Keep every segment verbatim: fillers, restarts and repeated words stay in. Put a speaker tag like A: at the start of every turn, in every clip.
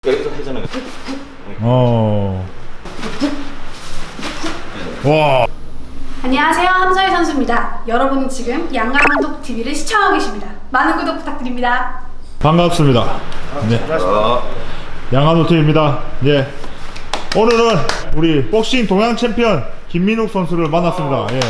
A: 여기서 회전을.
B: 어. 와.
C: 안녕하세요, 함서희 선수입니다. 여러분은 지금 양강한독 티비를 시청하고 계십니다. 많은 구독 부탁드립니다.
B: 반갑습니다. 네. 양한호 팀입니다. 예. 오늘은 우리 복싱 동양 챔피언 김민욱 선수를 만났습니다. 예.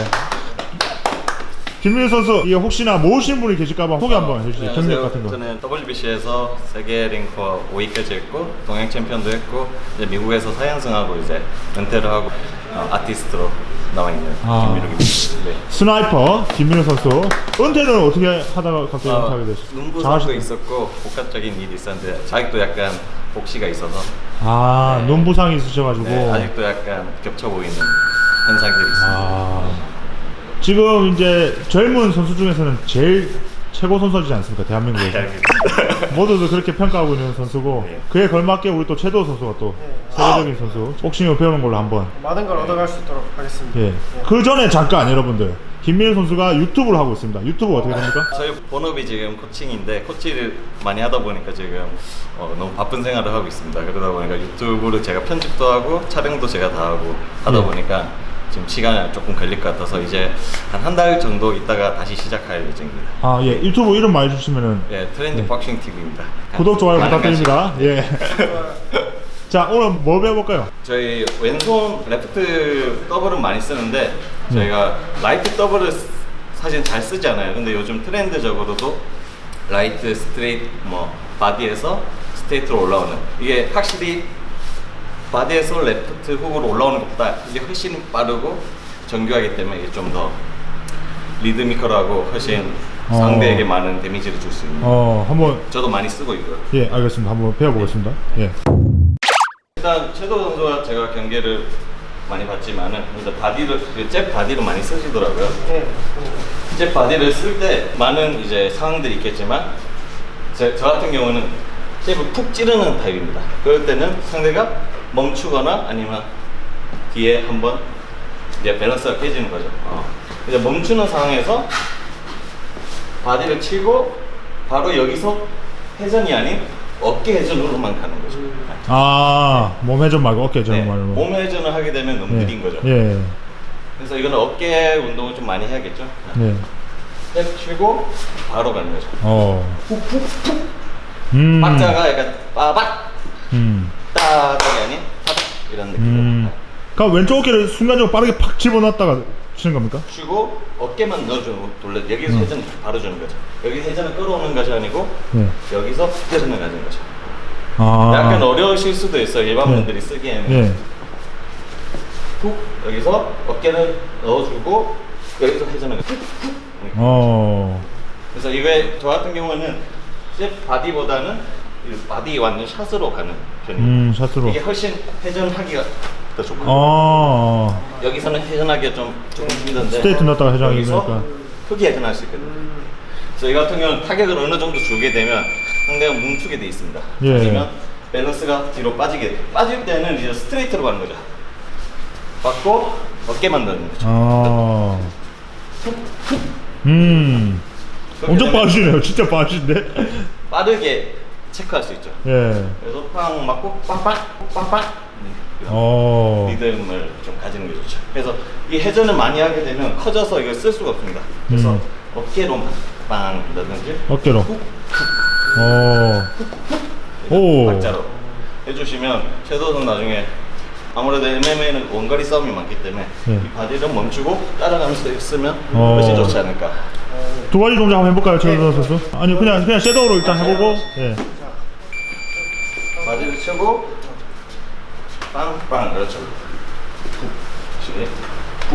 B: 김민욱 선수, 이게 혹시나 모르시는 분이 계실까봐 소개 한번 해주세요. 경력 같은 거.
A: 저는 더블유비씨에서 세계 랭커 오 위까지 했고 동양 챔피언도 했고 이제 미국에서 사연승하고 이제 은퇴를 하고 어, 아티스트로 나와 있는
B: 아.
A: 김민욱입니다. 네.
B: 스나이퍼 김민욱 선수. 은퇴는 어떻게 하다가 갑자기
A: 어,
B: 은퇴하게 되셨어요?
A: 눈부상도
B: 잘하시-
A: 있었고 복합적인 일이 있었는데 아직도 약간 복시가 있어서
B: 아,
A: 네.
B: 눈부상이 있으셔가지고.
A: 네, 아직도 약간 겹쳐 보이는 현상들이 있습니다.
B: 아. 지금 이제 젊은 선수 중에서는 제일 최고 선수지 않습니까? 대한민국에서. 모두들 그렇게 평가하고 있는 선수고,
A: 네.
B: 그에 걸맞게 우리 또 최도 선수가 또 세계적인 선수, 복싱을 배우는 걸로 한번.
D: 많은 걸 얻어갈 수 있도록 하겠습니다.
B: 예. 그 전에 잠깐 여러분들, 김민우 선수가 유튜브를 하고 있습니다. 유튜브 어떻게 됩니까?
A: 저희 본업이 지금 코칭인데 코치를 많이 하다 보니까 지금 어, 너무 바쁜 생활을 하고 있습니다. 그러다 보니까 유튜브를 제가 편집도 하고 촬영도 제가 다 하고 하다
B: 예.
A: 보니까 지금 시간이 조금 걸릴 것 같아서 이제 한 한 달 정도 있다가 다시 시작할 예정입니다.
B: 아, 예. 유튜브 이름 많이 주시면은
A: 예, 트렌드
B: 네.
A: 복싱 티비입니다.
B: 구독, 좋아요
A: 많은
B: 부탁드립니다. 예. 자, 오늘 뭐 배워볼까요?
A: 저희 왼손 레프트 더블은 많이 쓰는데 저희가 라이트 더블을 쓰- 사실 잘 쓰지 않아요. 근데 요즘 트렌드적으로도 라이트, 스트레이트, 뭐 바디에서 스트레이트로 올라오는 이게 확실히 바디에서 레프트 훅으로 올라오는 것보다 이게 훨씬 빠르고 정교하기 때문에 이게 좀 더 리드미컬하고 훨씬
B: 어.
A: 상대에게 많은 데미지를 줄 수 있는.
B: 어, 한번,
A: 저도 많이 쓰고 있고요.
B: 예, 알겠습니다. 한번 배워보겠습니다. 예.
A: 일단 최도 선수와 제가 경기를 많이 봤지만은 일단 바디를 그 잽 바디를 많이 쓰시더라고요.
D: 네.
A: 잽 바디를 쓸 때 많은 이제 상황들이 있겠지만 제, 저 같은 경우는 잽을 푹 찌르는 타입입니다. 그럴 때는 상대가 멈추거나 아니면 뒤에 한번 이제 밸런스가 깨지는 거죠. 어. 이제 멈추는 상황에서 바디를 치고 바로 여기서 회전이 아닌 어깨 회전으로만 가는 거죠.
B: 아, 몸 회전 말고 어깨 회전
A: 네,
B: 말고.
A: 몸 회전을 하게 되면 너무
B: 예.
A: 느린 거죠.
B: 예.
A: 그래서 이거는 어깨 운동을 좀 많이 해야겠죠.
B: 예.
A: 탭 치고 바로 가는 거죠.
B: 어. 음.
A: 박자가 약간 빠박
B: 음.
A: 따닥이 아닌 빠박 이런 느낌으로
B: 음. 그럼 왼쪽 어깨를 순간적으로 빠르게 팍 집어넣었다가 치는 겁니까?
A: 치고 어깨만 넣어주고 돌려 여기서
B: 음.
A: 회전을 바로 주는 거죠. 여기 회전을 끌어오는 것이 아니고
B: 네.
A: 여기서 회전을 가는 거죠.
B: 아.
A: 약간 어려우실 수도 있어요. 일반
B: 네.
A: 분들이 쓰기에는.
B: 예.
A: 훅 여기서 어깨를 넣어주고 여기서 회전을 훅 훅.
B: 어.
A: 그래서 이게 저 같은 경우는 잽 바디보다는 이 바디 완전 샷으로 가는 편입니다.
B: 음, 샷으로.
A: 이게 훨씬 회전하기가 더 좋고
B: 어.
A: 여기서는 회전하기가 좀 조금 힘든데
B: 스트레이트 넣었다가 회전하기
A: 여기서
B: 되니까.
A: 크게 회전할 수 있거든요. 그래서 이 같은 경우는 타격을 어느 정도 주게 되면 상대가 뭉치게 돼 있습니다.
B: 예.
A: 아니면 밸런스가 뒤로 빠지게 빠질 때는 이제 스트레이트로 가는 거죠. 받고 어깨만 넣는 거죠.
B: 어. 음.
A: 그렇게
B: 엄청
A: 되면
B: 빠르시네요. 진짜 빠르신데?
A: 빠르게 체크할 수 있죠.
B: 예.
A: 그래서 팡 맞고 빵빵 빵빵 이런
B: 어.
A: 리듬을 좀 가지는 게 좋죠. 그래서 이 회전을 많이 하게 되면 커져서 이걸 쓸 수가 없습니다. 그래서
B: 음.
A: 어깨로만 빵 넣든지
B: 어깨로.
A: 훅,
B: 어. 오.
A: 박자로 해주시면 최도선 나중에 아무래도 엠엠에는 원거리 싸움이 많기 때문에
B: 예.
A: 이 바디를 멈추고 따라가면서 쓰면
B: 어.
A: 훨씬 좋지 않을까.
B: 두 가지 동작 한번 해볼까요, 최도 선수? 아니, 그냥, 그냥 섀도우로 일단 해보고. 예.
A: 바디를 치고 빵빵 그렇죠. 훅, 시, 훅.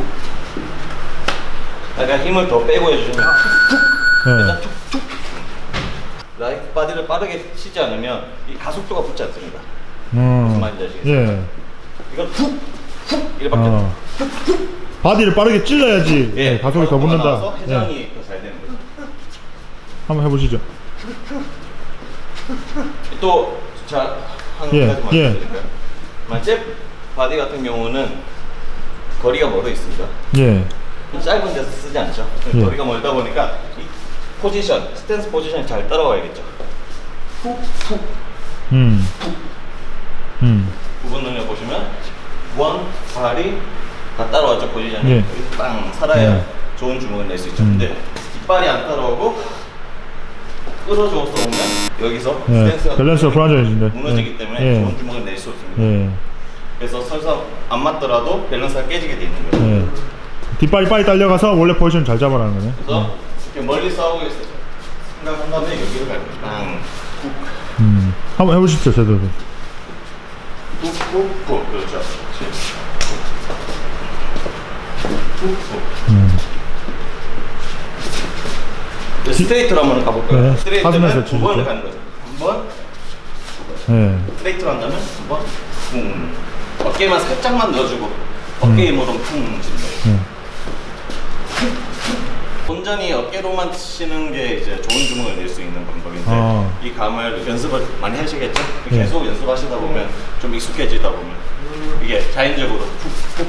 A: 약간 힘을 더 빼고 해주시면 일단
B: 예.
A: 툭툭. 라이트 바디를 빠르게 치지 않으면 이 가속도가 붙지 않습니다. 무슨
B: 음.
A: 말인지 아시겠어요?
B: 예.
A: 이건 훅훅 이렇게 밖에
B: 어. 바디를 빠르게 찔러야지
A: 예,
B: 예, 가속이 더 붙는다.
A: 나와서
B: 예.
A: 회전이 더 잘 되는 거죠.
B: 한번 해보시죠.
A: 또 자, 한
B: 예,
A: 가지
B: 예.
A: 말씀드릴까요? 잽 바디 같은 경우는 거리가 멀어 있습니다.
B: 예.
A: 짧은 데서 쓰지 않죠.
B: 예.
A: 거리가 멀다 보니까 이 포지션, 스탠스 포지션이 잘 따라와야겠죠. 훅, 훅,
B: 음.
A: 훅, 발이 다 따라와죠. 포지션이
B: 네.
A: 여기 빵 살아야
B: 네.
A: 좋은 주먹을 낼 수 있죠.
B: 음.
A: 근데 뒷발이 안 따라오고 끌어줘서 오면 여기서
B: 예,
A: 스탠스가
B: 밸런스가 불안정해진다.
A: 무너지기
B: 예.
A: 때문에
B: 예.
A: 좋은 주먹을 낼 수 없습니다.
B: 예.
A: 그래서 설사 안 맞더라도 밸런스가 깨지게 돼 있는 거예요.
B: 예. 뒷발이 빨리 딸려가서 원래 포지션 잘 잡아라는 거네.
A: 그래서 이렇게 멀리 싸우고 있어요. 생각한 다음에 여기를 갈 거예요. 빵, 쿡,
B: 음. 한번 해보십시오, 저도.
A: 쿡, 쿡, 쿡. 그렇죠. 그렇지. 쿡, 쿡.
B: 음.
A: 이제 스트레이트로 한번 가볼까요?
B: 네,
A: 스트레이트는
B: 가슴에서
A: 두 번을
B: 치죠.
A: 가는 거죠. 한 번,
B: 예.
A: 스트레이트로 한다면 한 번, 쿵. 어깨만 살짝만 넣어주고 어깨 힘으로 쿵 치는 거예요.
B: 예.
A: 온전히 어깨로만 치는 게 이제 좋은 주먹을 낼 수 있는 방법인데
B: 아.
A: 이 감을 연습을 많이 하시겠죠?
B: 예.
A: 계속 연습하시다 보면 좀 익숙해지다 보면 이게 자연적으로 훅훅훅훅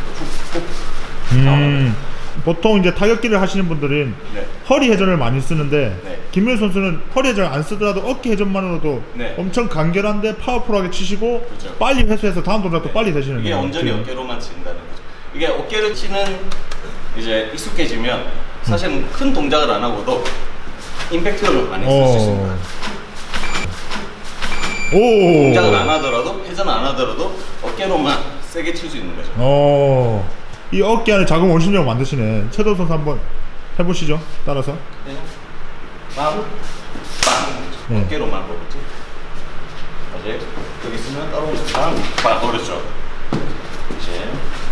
B: 음. 보통 이제 타격기를 하시는 분들은
A: 네.
B: 허리 회전을 많이 쓰는데
A: 네.
B: 김민우 선수는 허리 회전 안 쓰더라도 어깨 회전만으로도
A: 네.
B: 엄청 간결한데 파워풀하게 치시고
A: 그렇죠.
B: 빨리 회수해서 다음 동작도
A: 네.
B: 빨리 되시는
A: 이게
B: 거예요.
A: 온전히
B: 지금.
A: 어깨로만 친다는 거죠. 이게 어깨를 치는 이제 익숙해지면 사실 큰 동작을 안 하고도 임팩트를 많이 쓸 수 있습니다.
B: 오.
A: 동작을 안 하더라도 회전 안 하더라도 어깨로만 세게 칠 수 있는 거죠.
B: 어. 이 어깨 안에 작은 원심력 만드시네. 최도 선수 한번 해보시죠. 따라서.
A: 네. 빵, 빵.
B: 네.
A: 어깨로만 그렇지. 이제 여기 있으면 따로 빵, 빵. 그렇죠. 이제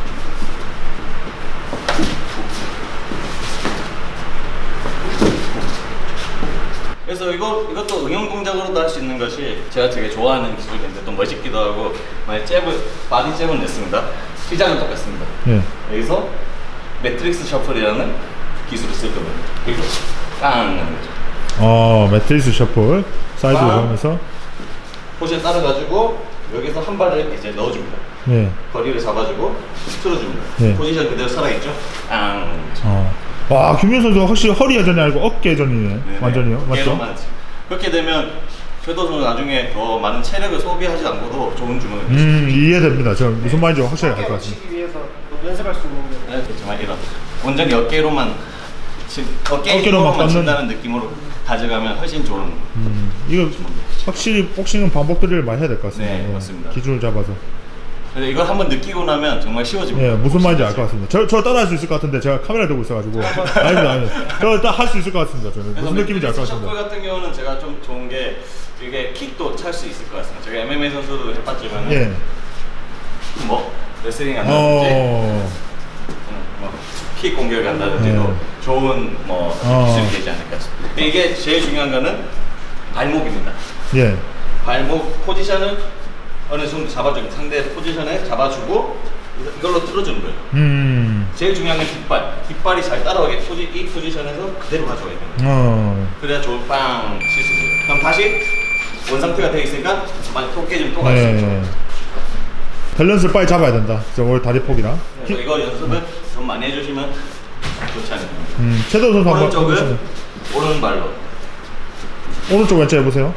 A: 그래서 이거 이것도 응용 동작으로도 할 수 있는 것이 제가 되게 좋아하는 기술인데 또 멋있기도 하고 만약 잽을 바디 잽을 냈습니다. 시작은 똑같습니다.
B: 예.
A: 여기서 매트릭스 셔플이라는 기술을 쓸 겁니다. 그리고 깡 하는 거죠.
B: 어, 매트리스 셔플 사이드로
A: 빵.
B: 가면서.
A: 포지션 따라가지고 여기서 한 발을 이제 넣어줍니다.
B: 예.
A: 거리를 잡아주고 틀어줍니다.
B: 네.
A: 포지션 그대로 살아있죠? 깡.
B: 어. 와, 김민우 선수 확실히 허리 회전이 아니고 어깨 회전이네.
A: 네네.
B: 완전히요. 맞죠?
A: 어깨로만 치. 그렇게 되면 최도 선수 나중에 더 많은 체력을 소비하지 않고도 좋은 주먹을 낼수 있습니다.
B: 음, 이해됩니다. 저 무슨 말인지 확실히 알 것
D: 어깨를
B: 같습니다.
D: 치기 위해서 연습할 수 있는 게
A: 네, 그렇지만 이런 온전히 어깨로만 치, 어깨
B: 어깨로만
A: 힘으로만
B: 뻗는-
A: 친다는 느낌으로 가져가면 훨씬 좋은
B: 음, 이거 확실히 복싱은 반복들을 많이 해야 될 것 같습니다.
A: 네,
B: 예.
A: 맞습니다.
B: 기준을 잡아서.
A: 근데 이걸 한번 느끼고 나면 정말 쉬워집니다.
B: 예, 무슨 말인지 알 것 같습니다. 저, 저 따라 할 수 있을 것 같은데 제가 카메라 들고 있어가지고. 아닙니다, 아닙니다. 저 딱 할 수 있을 것 같습니다. 저는
A: 그래서
B: 무슨 느낌인지 알 것
A: 셔플
B: 같습니다.
A: 같은 경우는 제가 좀 좋은 게 이게 킥도 찰 수 있을 것 같습니다. 제가 엠엠에이 선수도 해봤지만
B: 예.
A: 뭐 레슬링 한다든지
B: 어,
A: 뭐킥 공격 한다든지도
B: 네.
A: 좋은 뭐
B: 어.
A: 기술이 되지 않을까 싶습니다. 근데 이게 제일 중요한 거는 발목입니다.
B: 예.
A: 발목 포지션을 어느 정도 잡아주고 상대 포지션에 잡아주고 이걸로 틀어주는 거예요.
B: 음,
A: 제일 중요한 건 뒷발. 뒷발이 잘 따라오게 포지, 이 포지션에서 그대로 가져가야 돼요.
B: 어,
A: 그래야 좋은 빵 칠 수 있어요. 그럼 다시 원상태가 되어 있으니까 많이 또 깨지면 또 갈 수 있죠.
B: 예. 밸런스를 빨리 잡아야 된다. 저 오늘 다리 폭이랑.
A: 그래서 이거 연습을 좀 많이 해주시면 좋지 않을까.
B: 음, 최도 선수 한번
A: 오른쪽은
B: 해보시면.
A: 오른발로.
B: 오른쪽 왼쪽 해보세요.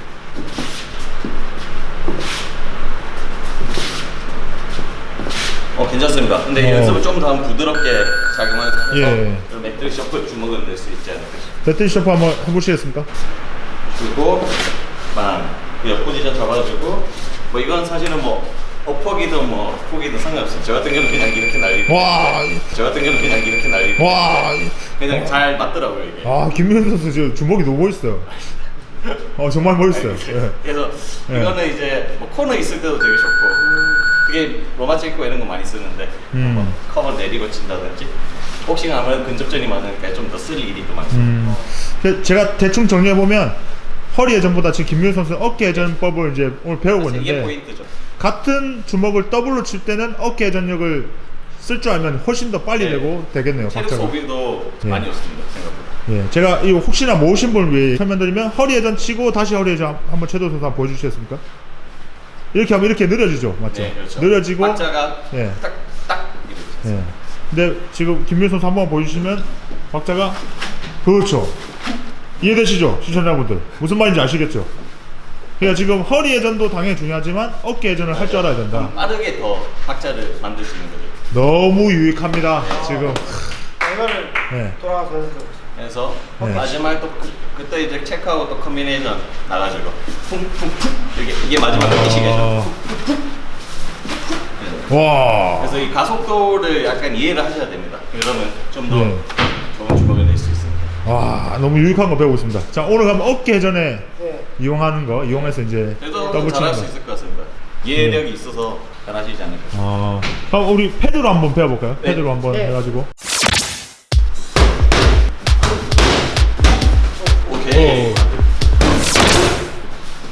A: 어 괜찮습니다. 근데 이
B: 어.
A: 연습을 좀 더 부드럽게 작용해서
B: 예.
A: 매트릭 셔플 주먹을 낼 수 있지 않을까 싶습니다.
B: 배틀 셔프 한번 해보시겠습니까?
A: 주고 빵. 옆 포지션 잡아주고 뭐 이건 사실은 뭐 어퍼기든 뭐 훅이든 상관없어요. 저 같은 경우는 그냥 이렇게 날리고
B: 와,
A: 저 같은 경우는 그냥 이렇게 날리고
B: 와,
A: 그냥 잘 맞더라고요 이게.
B: 아, 김민우 선수 지금 주먹이 너무 멋있어요. 어, 정말 멋있어요. 예.
A: 그래서
B: 예.
A: 이거는 이제 뭐 코너 있을 때도 되게 좋고 그게 로마 찍고 이런 거 많이 쓰는데
B: 음.
A: 뭐 커버 내리고 친다든지 복싱은 아무래도 근접전이 많으니까 좀 더 쓸 일이 더 많고
B: 음, 그 제가 대충 정리해 보면 허리 회전보다 지금 김민우 선수 어깨 회전법을 이제 오늘 배우고
A: 사실 이게
B: 있는데
A: 포인트죠.
B: 같은 주먹을 더블로 칠 때는 어깨 회전력을 쓸 줄 알면 훨씬 더 빨리
A: 네.
B: 되고 되겠네요.
A: 체력
B: 박자가.
A: 소비도
B: 예.
A: 많이 없습니다 생각보다.
B: 예, 제가 이 혹시나 모르신 분을 위해 설명드리면 허리 회전 치고 다시 허리 회전 한번 최도 선수 한번 보여주시겠습니까? 이렇게 하면 이렇게 느려지죠, 맞죠?
A: 네, 그렇죠.
B: 느려지고.
A: 박자가
B: 예.
A: 딱딱 이렇게.
B: 예. 근데 지금 김민우 선수 한번 보여주시면 박자가 그렇죠. 이해되시죠, 시청자분들? 무슨 말인지 아시겠죠? 그러니까 지금 허리 회전도 당연히 중요하지만 어깨 회전을 할 줄 알아야 된다.
A: 좀 빠르게 더 박자를 만들 수 있는 거죠.
B: 너무 유익합니다. 지금.
D: 이거를
B: 네.
D: 돌아가서 연습해보세요.
A: 그래서
B: 네.
A: 마지막에 또 그, 그때 이제 체크하고 또 컨비네이션 나가지고 쿵쿵쿵 이게 이게 마지막 끝이겠죠.
B: 어... 와.
A: 그래서 이 가속도를 약간 이해를 하셔야 됩니다. 그러면 좀 더
B: 네.
A: 좋은 주먹이 될 수 있습니다.
B: 와, 너무 유익한 거 배우고 있습니다. 자, 오늘 그럼 어깨 회전에
D: 네.
B: 이용하는 거 이용해서 이제
A: 그래도
B: 더블 치는
A: 잘할
B: 거.
A: 수 있을 것 같습니다. 이해력이 있어서 잘하시지 않을까.
B: 어, 그럼 우리 패드로 한번 배워볼까요?
A: 네.
B: 패드로 한번
D: 네.
B: 해가지고.
A: 오케이.
B: 오.